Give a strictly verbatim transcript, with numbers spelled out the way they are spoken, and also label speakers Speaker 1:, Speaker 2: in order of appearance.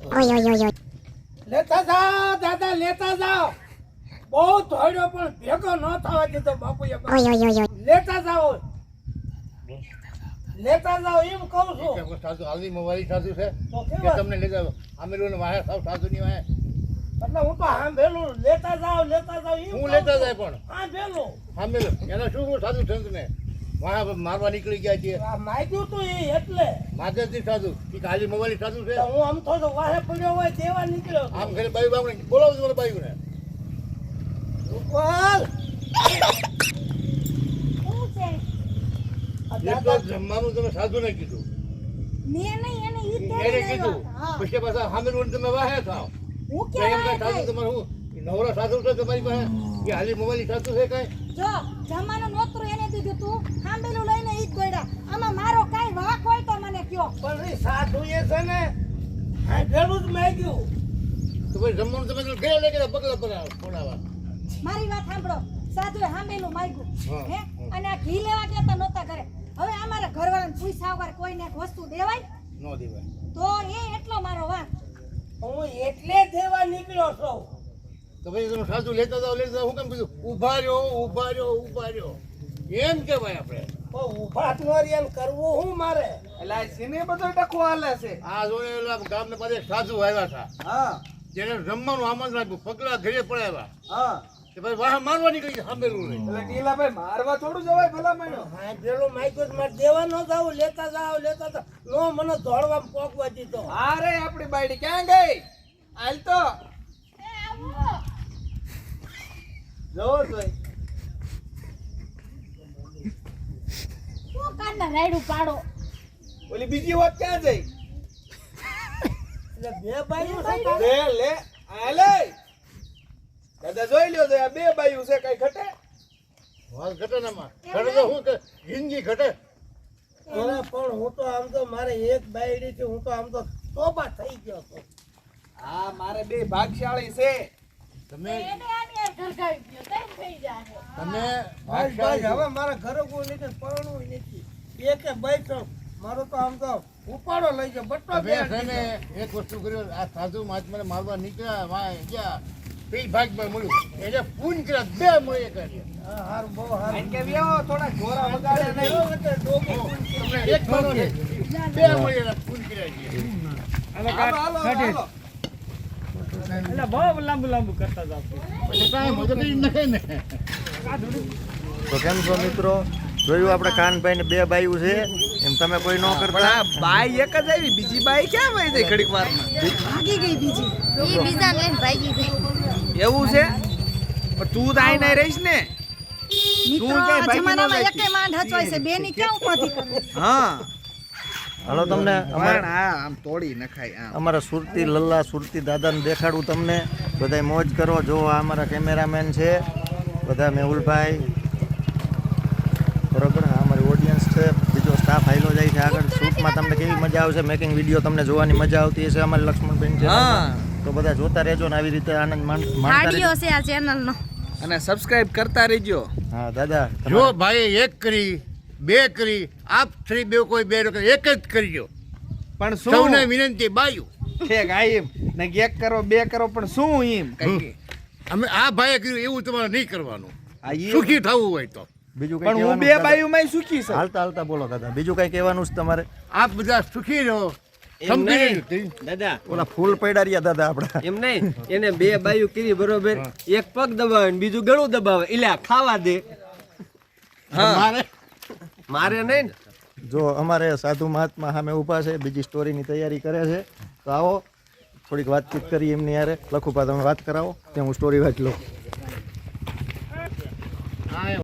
Speaker 1: ઓય ઓય ઓય
Speaker 2: લેતા જાઓ દાદા લેતા જાઓ બહુ થોડ્યો પણ ભેગો ન થવા દીધો બાપુએ
Speaker 1: ઓય ઓય ઓય
Speaker 2: લેતા જાઓ લેતા જાઓ એમ કહું છું
Speaker 3: કે સાધુ હાલની મોબાઈલ સાધુ છે
Speaker 2: તો
Speaker 3: કે
Speaker 2: કેવા
Speaker 3: તમને લેતા આમેલું વાહે સાવ સાધુની વાહે
Speaker 2: એટલે હું તો સાંભળેલું લેતા જાઓ લેતા જાઓ એમ
Speaker 3: હું
Speaker 2: કહું
Speaker 3: લેતા
Speaker 2: છું.
Speaker 3: જાય પણ
Speaker 2: સાંભળેલું
Speaker 3: આમેલું એના શું શું સાધુ સંતને વાહ મારવા નીકળી ગયા છે
Speaker 2: આ માગ્યું તું એ એટલે
Speaker 3: માધવજી સાધુ કે હાલી મોબાઈલ સાધુ છે
Speaker 2: તો હું આમ તો વાહે પડ્યો હોય દેવા નીકળ્યો હતો.
Speaker 3: આમ ઘરે બાઈ બાપને બોલાવો તમારે બાઈ ને
Speaker 2: રૂપાલ!
Speaker 4: શું છે
Speaker 2: આ
Speaker 3: એક
Speaker 2: દાદા
Speaker 3: તો જમવાનું તમે સાધુ ને કીધું
Speaker 4: મેં નહીં એને ઈ
Speaker 3: એને
Speaker 4: તેડી
Speaker 3: કીધું
Speaker 4: લાવ્યા. હા.
Speaker 3: પછી પાછા સામેલું તમે વાહે થાવ
Speaker 4: હું
Speaker 3: તો એમ
Speaker 4: ક્યાં
Speaker 3: કાંઈ સાધુ તમારે હું નવરા સાધુ છે તમારી પાસે કે હાલી મોબાઈલ સાધુ છે કાંઈ
Speaker 4: જો જમાનું નોતરું એને દીધું તું ખાંભેલું લઈને ઈ જ દોડ્યા આમાં મારો કાંઈ વાંક હોય તો મને કયો
Speaker 2: પણ એ સાધુ એ છે ને સાંભળેલું જ માગ્યું
Speaker 3: તો પછી જમવાનું તમે તો ઘરે લઈ ગયા પગલા પર બોલાવા
Speaker 4: મારી વાત સાંભળો સાધુએ ખાંભેલું માગ્યું
Speaker 3: હા,
Speaker 4: હે
Speaker 3: હા.
Speaker 4: અને આ ઘી લેવા ગયા તા નહોતા ઘરે હવે અમારા ઘરવાળાને પૂછ્યા વગર કોઈને એક વસ્તુ દેવાય
Speaker 3: ન દેવાય
Speaker 4: તો એ એટલો મારો વાંક
Speaker 2: હું એટલે દેવા નીકળ્યો છું
Speaker 3: તો પછી તમે સાધુ લેતા જાઓ લેતા જાઓ હું કેમ કીધું ઊભા રહ્યો ઊભા રહ્યો ઊભા રહ્યો એમ કહેવાય આપણે
Speaker 2: તો ઊભા જ ન રહ્યા ને કરવું શું મારે
Speaker 5: એટલે આ સીને બધો ટકો હાલે છે.
Speaker 3: આ જોડે ઓલા ગામને પાસે એક સાધુ આવ્યા હતા
Speaker 5: હા
Speaker 3: જેને જમવાનું આમંત્રણ આપ્યું પગલા ઘરે પડાવ્યા
Speaker 5: હા
Speaker 3: કે ભાઈ વાહ મારવા નીકળી ગયા સાંભળેલું નહીં
Speaker 5: એટલે ટીલાભાઈ મારવા થોડું જવાય ભલા માણ્યો.
Speaker 2: સાંભળેલું માગ્યું જ મારે દેવા ન જાવ લેતા જાવ લેતા જાવ નો મને દોડવા પોકવા દીધો
Speaker 5: અરે આપણી બાયડી ક્યાં ગઈ હાલ તો જોવો જોઈ
Speaker 4: શું કાંડા રાયડું પાડો
Speaker 5: ઓલી બીજી વાત ક્યાં જઈ
Speaker 2: એટલે બે બાયું છે તારે?
Speaker 5: લે લે આ લે દાદા જોઈ લ્યો તો આ બે બાયું છે કઈ ઘટે
Speaker 3: વાત ઘટે ને માં ઘટે તો શું કે જિંદગી ઘટે
Speaker 2: અરે પણ હું તો આમ તો મારે એક બાયડી થી હું તો આમ તો તોબા થઈ ગયો હતો
Speaker 5: હા મારે બે ભાગશાળી છે
Speaker 3: તમે
Speaker 4: એને આની યાર ઘરગાવી ગયો તઈ થઈ જાય
Speaker 3: તમે
Speaker 2: ભાઈ ભાઈ હવે મારા ઘરે કોઈ નથી પરણવું નથી એક બાઈ તો મારો તો આમ તો ઉપાડો લઈ ગયો બટ્ટો
Speaker 3: તમે છે ને એક વસ્તુ કર્યો આ સાધુ મહાત્માને મારવા નીકળ્યા વાહ ગયા પી ભાગમાં મળ્યું એને પૂન કર્યા બે મળે કરી
Speaker 2: હા હારું બહુ હારું
Speaker 5: આઈને કે વ્યો થોડા જોરા વગાડે નહીં
Speaker 2: એટલે ડોકો
Speaker 3: તમને એક મળો ને બે મળે એના પૂન કર્યા છે
Speaker 5: હાલો હાલો હાલો
Speaker 6: એટલે બહુ લાંબુ લાંબુ કરતા જાવ
Speaker 3: પછી કાંઈ મદદ જ નથી ને
Speaker 7: તો કેમ છો મિત્રો જોયું આપણે કાનભાઈ ને બે બાયું છે એમ તમે કોઈ ન
Speaker 5: પણ
Speaker 7: કરતા
Speaker 5: આ બાઈ એક જ આવી બીજી બાઈ ક્યાં વહી જાય ઘડીક વારમાં
Speaker 4: ભાગી ગઈ બીજી
Speaker 1: ઈ બીજા લઈને ભાગી ગઈ
Speaker 5: એવું છે પણ તું તો આઈને રહીશ ને
Speaker 4: મિત્રો
Speaker 5: ક્યાંય
Speaker 4: આ
Speaker 5: ભાગી ન
Speaker 4: જમાનામાં
Speaker 5: જાય
Speaker 4: એકે માંડ હચવાય છે બેની ક્યાં ઉપાધી કરવી
Speaker 5: હા
Speaker 7: હાલો તમને
Speaker 5: પણ
Speaker 7: અમારા
Speaker 5: આ આમ તોડી નખાય આમ
Speaker 7: અમારા સુરતી લલ્લા સુરતી દાદાને દેખાડું તમને બધાય મોજ કરો જો આ અમારા કેમેરામેન છે બધા મેહુલભાઈ બરોબર આ અમારી ઓડિયન્સ છે બીજો સ્ટાફ હાઈલો જાય છે આગળ શૂટમાં તમને કેવી મજા આવશે મેકિંગ વિડીયો તમને જોવાની મજા આવતી હશે અમારી લક્ષ્મણબેન છે
Speaker 5: હા.
Speaker 7: તો બધા જોતા રહેજો ને આવી રીતે આનંદ માણ- માણતા
Speaker 1: હાડીઓ
Speaker 7: રહેજો
Speaker 1: છે આ ચેનલ નો
Speaker 5: અને સબસ્ક્રાઇબ કરતા રહેજો
Speaker 7: હા દાદા
Speaker 3: જો ભાઈ એક કરી બે કરી આપ થ્રી બે કોઈ બે નો કરી, એક જ કરજો
Speaker 5: પણ
Speaker 3: સૌને
Speaker 5: શું
Speaker 3: વિનંતી બાયું
Speaker 5: ઠેક આ એમ ને એક કરો બે કરો પણ શું એમ કઈ
Speaker 3: અમે આ ભાઈએ કર્યું એવું તમારે નહીં કરવાનું
Speaker 5: આ ઈ-
Speaker 3: સુખી થવું હોય તો
Speaker 7: બીજું કઈ
Speaker 5: પણ હું
Speaker 7: કહેવાનું
Speaker 5: બે
Speaker 7: દાદા?
Speaker 5: બાયું માં સુખી છે
Speaker 7: હાલતા હાલતા બોલો દાદા બીજું કઈ કહેવાનું છે તમારે
Speaker 3: આપ બધા સુખી રહો સમજી લેજો.
Speaker 8: દાદા
Speaker 7: ઓલા ફૂલ પડ્યા રહ્યા દાદા આપડા
Speaker 8: એમ નહીં એને બે બાયું કરી બરોબર એક પગ દબાવે ને બીજું ગળું દબાવે એટલે આ ખાવા દે
Speaker 3: મારે
Speaker 8: મારે નહીં ને
Speaker 7: જો અમારે સાધુ મહાત્મા સામે ઊભા છે બીજી સ્ટોરીની તૈયારી કરે છે તો આવો થોડીક વાતચીત કરી એમની યારે લખુપા તમે વાત કરાવો ત્યાં હું સ્ટોરી વાંચ લઉં